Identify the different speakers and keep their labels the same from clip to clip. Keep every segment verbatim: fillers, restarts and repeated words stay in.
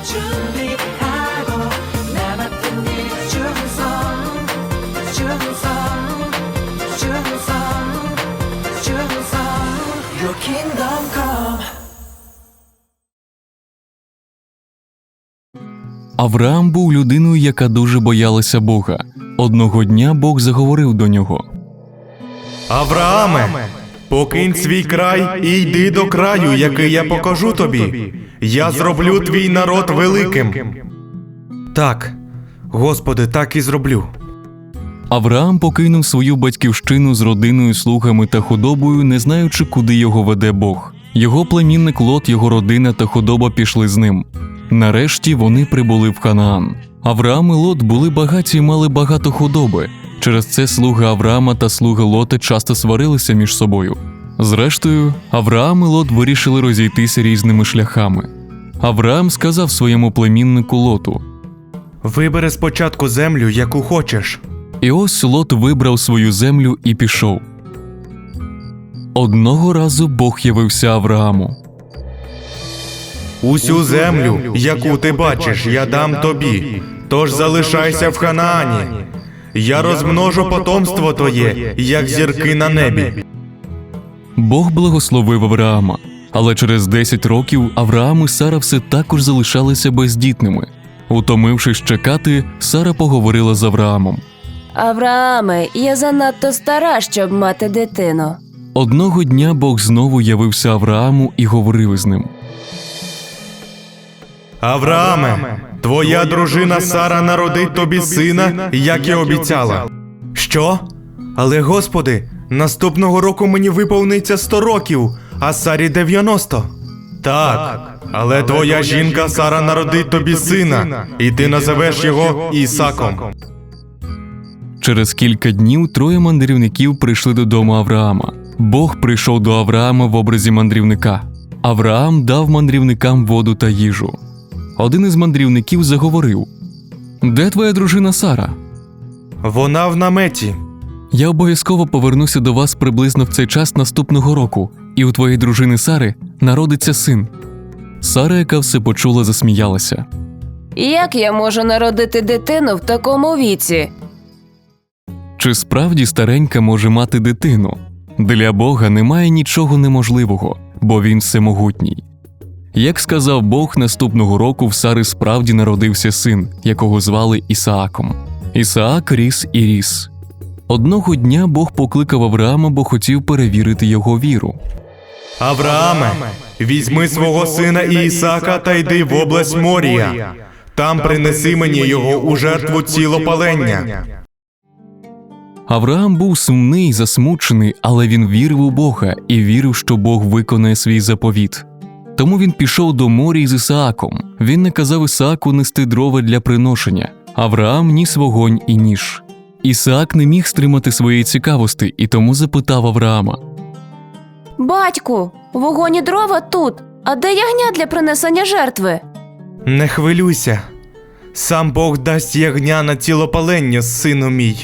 Speaker 1: 준비하고 나 맡은 일 충성 충성 충성 충성 Your kingdom come.
Speaker 2: Авраам був людиною, яка дуже боялася Бога. Одного дня Бог заговорив до нього.
Speaker 3: Аврааме, покинь свій край і йди до краю, який я покажу тобі. Я зроблю твій народ великим. Так, Господи, так і зроблю.
Speaker 2: Авраам покинув свою батьківщину з родиною, слугами та худобою, не знаючи, куди його веде Бог. Його племінник Лот, його родина та худоба пішли з ним. Нарешті вони прибули в Ханаан. Авраам і Лот були багаті і мали багато худоби. Через це слуги Авраама та слуги Лота часто сварилися між собою. Зрештою, Авраам і Лот вирішили розійтися різними шляхами. Авраам сказав своєму племіннику Лоту:
Speaker 3: Вибери спочатку землю, яку хочеш.
Speaker 2: І ось Лот вибрав свою землю і пішов. Одного разу Бог явився Аврааму.
Speaker 3: Усю землю, яку ти бачиш, я дам тобі, тож залишайся в Ханаані. Я розмножу потомство твоє, як зірки на небі.
Speaker 2: Бог благословив Авраама, але через десять років Авраам і Сара все також залишалися бездітними. Утомившись чекати, Сара поговорила з Авраамом.
Speaker 4: Аврааме, я занадто стара, щоб мати дитину.
Speaker 2: Одного дня Бог знову явився Аврааму і говорив із ним.
Speaker 3: Аврааме, твоя дружина Сара народить тобі сина, як і обіцяла. Що? Але, Господи, наступного року мені виповниться сто років, а Сарі дев'яносто. Так, але твоя жінка Сара народить тобі сина, і ти називеш його Ісаком.
Speaker 2: Через кілька днів троє мандрівників прийшли додому Авраама. Бог прийшов до Авраама в образі мандрівника. Авраам дав мандрівникам воду та їжу. Один із мандрівників заговорив: «Де твоя дружина Сара?»
Speaker 3: Вона в наметі.
Speaker 2: «Я обов'язково повернуся до вас приблизно в цей час наступного року, і у твоєї дружини Сари народиться син». Сара, яка все почула, засміялася.
Speaker 4: Як я можу народити дитину в такому віці?
Speaker 2: Чи справді старенька може мати дитину? Для Бога немає нічого неможливого, бо Він всемогутній. Як сказав Бог, наступного року в Сари справді народився син, якого звали Ісааком. Ісаак ріс і ріс. Одного дня Бог покликав Авраама, бо хотів перевірити його віру.
Speaker 3: Аврааме, візьми свого сина Ісаака та йди в область Морія. Там принеси мені його у жертву цілопалення.
Speaker 2: Авраам був сумний, засмучений, але він вірив у Бога і вірив, що Бог виконає свій заповіт. Тому він пішов до Морії з Ісааком. Він наказав Ісааку нести дрова для приношення. Авраам ніс вогонь і ніж. Ісаак не міг стримати своєї цікавості і тому запитав Авраама:
Speaker 4: Батьку, вогонь і дрова тут, а де ягня для принесення жертви?
Speaker 3: Не хвилюйся. Сам Бог дасть ягня на цілопалення, сину мій.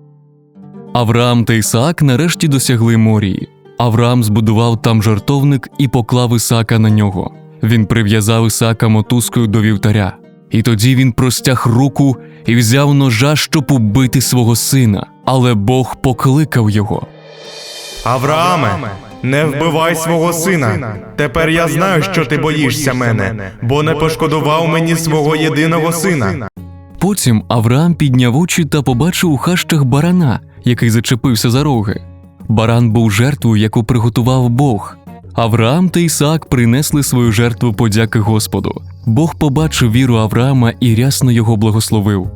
Speaker 2: Авраам та Ісаак нарешті досягли Морії. Авраам збудував там жертовник і поклав Ісаака на нього. Він прив'язав Ісаака мотузкою до вівтаря. І тоді він простяг руку і взяв ножа, щоб убити свого сина. Але Бог покликав його.
Speaker 3: Аврааме, не вбивай свого сина. Тепер я знаю, що ти боїшся мене, бо не пошкодував мені свого єдиного сина.
Speaker 2: Потім Авраам підняв очі та побачив у хащах барана, який зачепився за роги. Баран був жертвою, яку приготував Бог. Авраам та Ісаак принесли свою жертву подяки Господу. Бог побачив віру Авраама і рясно його благословив.